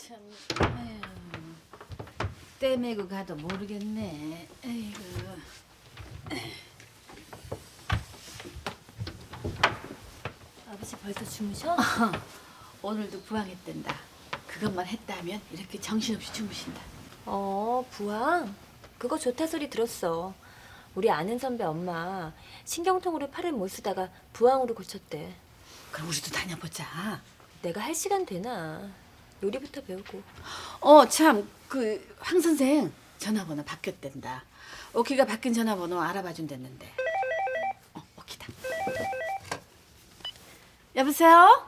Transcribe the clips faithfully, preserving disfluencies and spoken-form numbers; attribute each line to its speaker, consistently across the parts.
Speaker 1: 참, 아유, 떼매고 가도 모르겠네. 아이고.
Speaker 2: 아버지 벌써 주무셔?
Speaker 1: 오늘도 부항했댄다. 그것만 했다면 이렇게 정신없이 주무신다.
Speaker 2: 어, 부항. 그거 좋다 소리 들었어. 우리 아는 선배 엄마 신경통으로 팔을 못 쓰다가 부항으로 고쳤대.
Speaker 1: 그럼 우리도 다녀보자.
Speaker 2: 내가 할 시간 되나? 요리부터 배우고.
Speaker 1: 어, 참, 그 황 선생 전화번호 바뀌었댄다. 오키가 바뀐 전화번호 알아봐 준댔는데. 어, 오키다. 여보세요?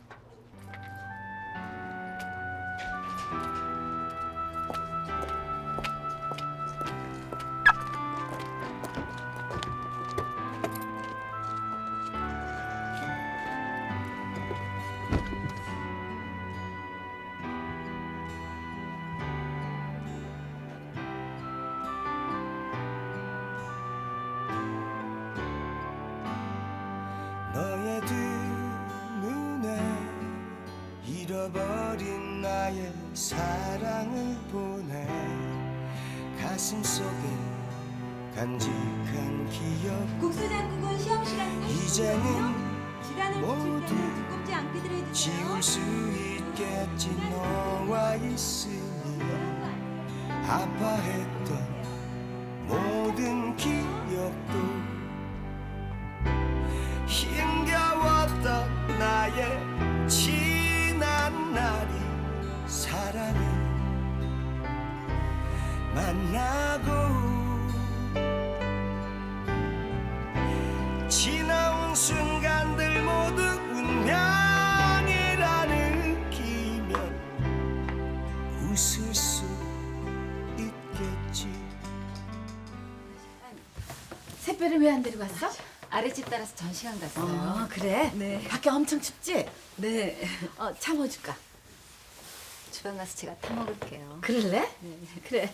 Speaker 3: 너의 두 눈에 잃어버린 나의 사랑을 보내 가슴 속에 간직한 기억
Speaker 4: 국수장국은 시험 시간
Speaker 3: 이제는
Speaker 4: 시간을
Speaker 3: 모두
Speaker 4: 붙일 때는 두껍지 않게 들어주세요.
Speaker 3: 지울 수 있겠지 너와 있으니 아파했던 모든 기억도 힘겨웠던 나의 지난 날이 사랑을 만나고 지나온 순간들 모두 운명이라 느끼면 웃을 수 있겠지.
Speaker 1: 새별을 왜 안 데리고 왔어?
Speaker 5: 아랫집 따라서 전시관 갔어요.
Speaker 1: 어, 그래?
Speaker 5: 네.
Speaker 1: 밖에 엄청 춥지?
Speaker 5: 네.
Speaker 1: 어, 차 뭐 줄까?
Speaker 5: 주방 가서 제가 타 먹을게요.
Speaker 1: 그럴래? 그래.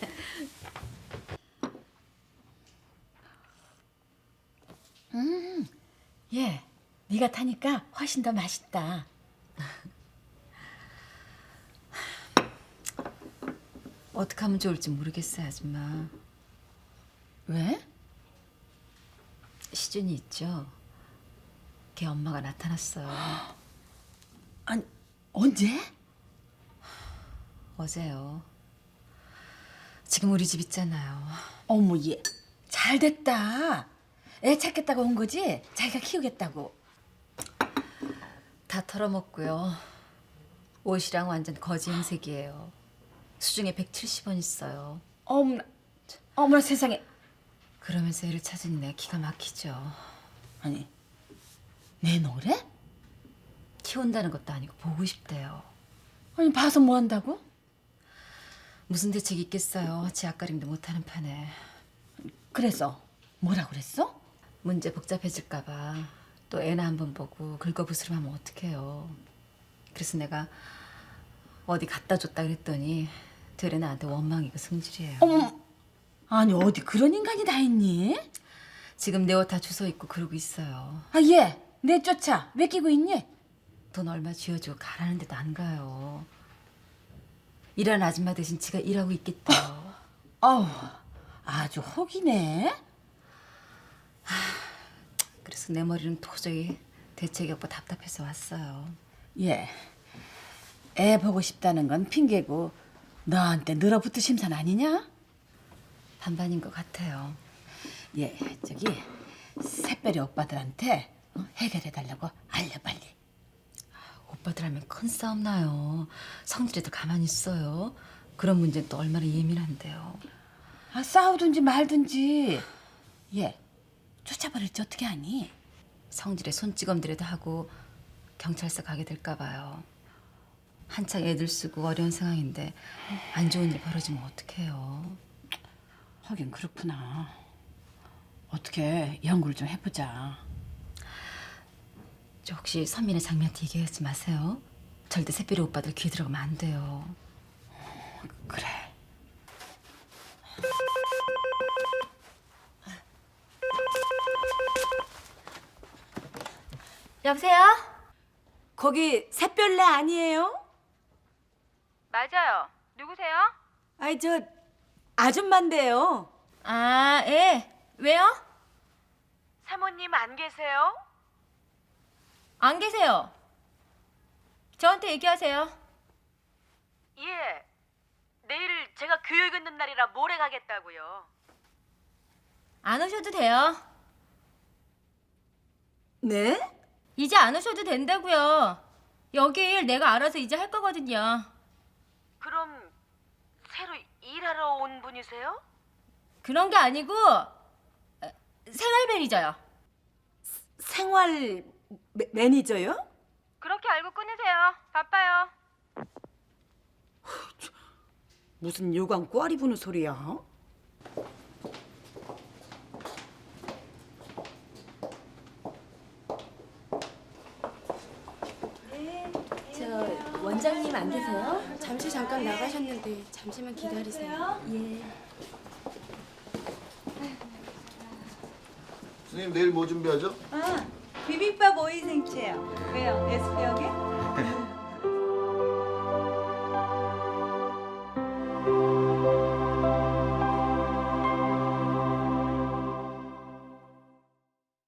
Speaker 1: 음, 얘, 네가 타니까 훨씬 더 맛있다.
Speaker 5: 어떻게 하면 좋을지 모르겠어요, 아줌마.
Speaker 1: 왜?
Speaker 5: 시준이 있죠? 걔 엄마가 나타났어요.
Speaker 1: 아니, 언제?
Speaker 5: 어제요. 지금 우리 집 있잖아요.
Speaker 1: 어머, 얘, 잘 됐다. 애 찾겠다고 온 거지? 자기가 키우겠다고.
Speaker 5: 다 털어먹고요. 옷이랑 완전 거지 행색이에요. 수중에 백칠십 원 있어요.
Speaker 1: 어머나, 어머나 세상에.
Speaker 5: 그러면서 애를 찾으니 내가 기가 막히죠.
Speaker 1: 아니, 내 노래?
Speaker 5: 키운다는 것도 아니고 보고 싶대요.
Speaker 1: 아니, 봐서 뭐 한다고?
Speaker 5: 무슨 대책이 있겠어요. 지 앞가림도 못하는 판에.
Speaker 1: 그래서 뭐라 그랬어?
Speaker 5: 문제 복잡해질까 봐 또 애나 한번 보고 긁어부스럼하면 어떡해요. 그래서 내가 어디 갖다 줬다 그랬더니 되레 나한테 원망이고 승질이에요.
Speaker 1: 어머, 아니 어디 그런 인간이 다 있니?
Speaker 5: 지금 내 옷 다 주워 입고 그러고 있어요.
Speaker 1: 아, 얘, 내쫓아. 왜 끼고 있니?
Speaker 5: 돈 얼마 쥐어주고 가라는 데도 안 가요. 일하는 아줌마 대신 지가 일하고 있겠대요.
Speaker 1: 아우, 아주 혹이네.
Speaker 5: 그래서 내 머리는 도저히 대책이 없고 답답해서 왔어요.
Speaker 1: 얘, 애 보고 싶다는 건 핑계고 너한테 늘어붙을 심산 아니냐?
Speaker 5: 반반인 것 같아요.
Speaker 1: 얘, 저기 새별이 오빠들한테 어, 해결해달라고 알려 빨리.
Speaker 5: 오빠들 하면 큰 싸움 나요. 성질에도 가만히 있어요. 그런 문제는 또 얼마나 예민한데요.
Speaker 1: 아, 싸우든지 말든지. 얘, 쫓아버릴지 어떻게 하니?
Speaker 5: 성질에 손찌검들에도 하고 경찰서 가게 될까 봐요. 한창 애들 쓰고 어려운 상황인데 안 좋은 일 벌어지면 어떡해요.
Speaker 1: 하긴 그렇구나. 어떻게 연구를 좀 해보자.
Speaker 5: 저 혹시 선민의 장미한테 얘기하지 마세요. 절대 새별이 오빠들 귀에 들어가면 안 돼요.
Speaker 1: 그래.
Speaker 2: 여보세요? 거기 샛별내 아니에요? 맞아요. 누구세요?
Speaker 6: 아이 저 아줌마인데요.
Speaker 2: 아, 예. 왜요?
Speaker 7: 사모님 안 계세요?
Speaker 2: 안 계세요. 저한테 얘기하세요.
Speaker 7: 예. 내일 제가 교육 있는 날이라 모레 가겠다고요.
Speaker 2: 안 오셔도 돼요.
Speaker 6: 네?
Speaker 2: 이제 안 오셔도 된다고요. 여기 일 내가 알아서 이제 할 거거든요.
Speaker 7: 그럼 새로 일하러 온 분이세요?
Speaker 2: 그런 게 아니고 어, 생활 매니저요.
Speaker 6: 생활 매, 매니저요?
Speaker 2: 그렇게 알고 끊으세요. 바빠요.
Speaker 6: 무슨 요강 꽈리 부는 소리야?
Speaker 2: 저 원장님 안 계세요?
Speaker 8: 잠시 잠깐 나가셨는데 잠시만 기다리세요.
Speaker 2: 예.
Speaker 9: 선생님 내일 뭐 준비하죠?
Speaker 4: 아, 비빔밥 오이 생채요. 왜요? 에스피어게?